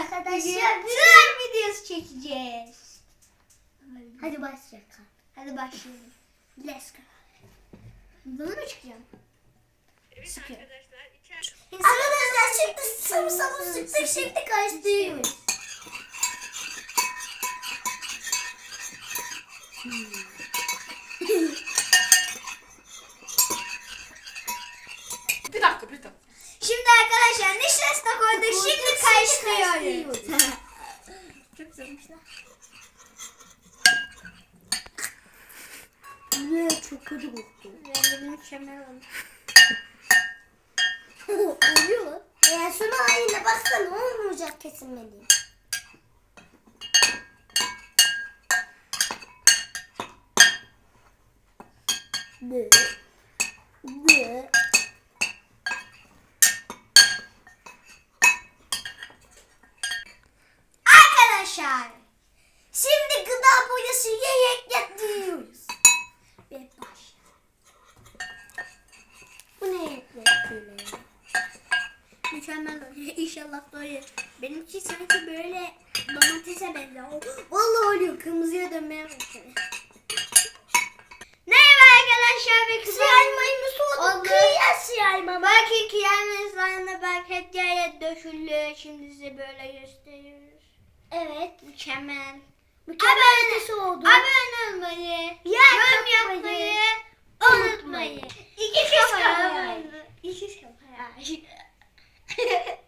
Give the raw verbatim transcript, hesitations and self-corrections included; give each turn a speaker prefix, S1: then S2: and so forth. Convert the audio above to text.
S1: arkadaşlar
S2: slime videosu çekeceğiz.
S1: hadi başlayalım.
S2: Hadi başlayalım. Let's go. Bunu mu çıkacağım?
S3: Evet
S2: Sıkıyor.
S3: arkadaşlar içer.
S1: Arkadaşlar şimdi sıvı sıvı sıktık şimdi karıştırıyoruz.
S3: Bir dakika bir dakika.
S2: Şimdi arkadaşlar nişasta koyduk. Şimdi karıştırıyoruz. Çok güzelmiş lan.
S1: Ne çok kötü koktu.
S2: Rengi mükemmel oldu.
S1: Oluyor mu? Ya şunu haline baksana olmayacak kesilmedi. Bı. Bı.
S2: Arkadaşlar.
S1: Şimdi gıda boyası yiyerek yapıyoruz.
S2: Bir baş.
S1: Bu ne yapıyor?
S2: Mükemmel oluyor. İnşallah doğru. Benimki sanki böyle domatese benziyor.
S1: Vallahi oluyor. Kırmızıya dönmeye başlıyor.
S2: Merhaba arkadaşlar ve kısa
S1: Kıyaymayı soğuduk.
S2: Oldu.
S1: Kıyas yayma.
S2: Bakın kıyamızlarına bak hep yere döküldü. Şimdi size böyle gösteriyoruz.
S1: Evet.
S2: Mükemmel.
S1: Mükemmel ötesi oldu.
S2: Abone olmayı, yorum yapmayı unutmayın.
S1: İki kız
S2: Kafa
S1: kafa.
S2: İki kafa.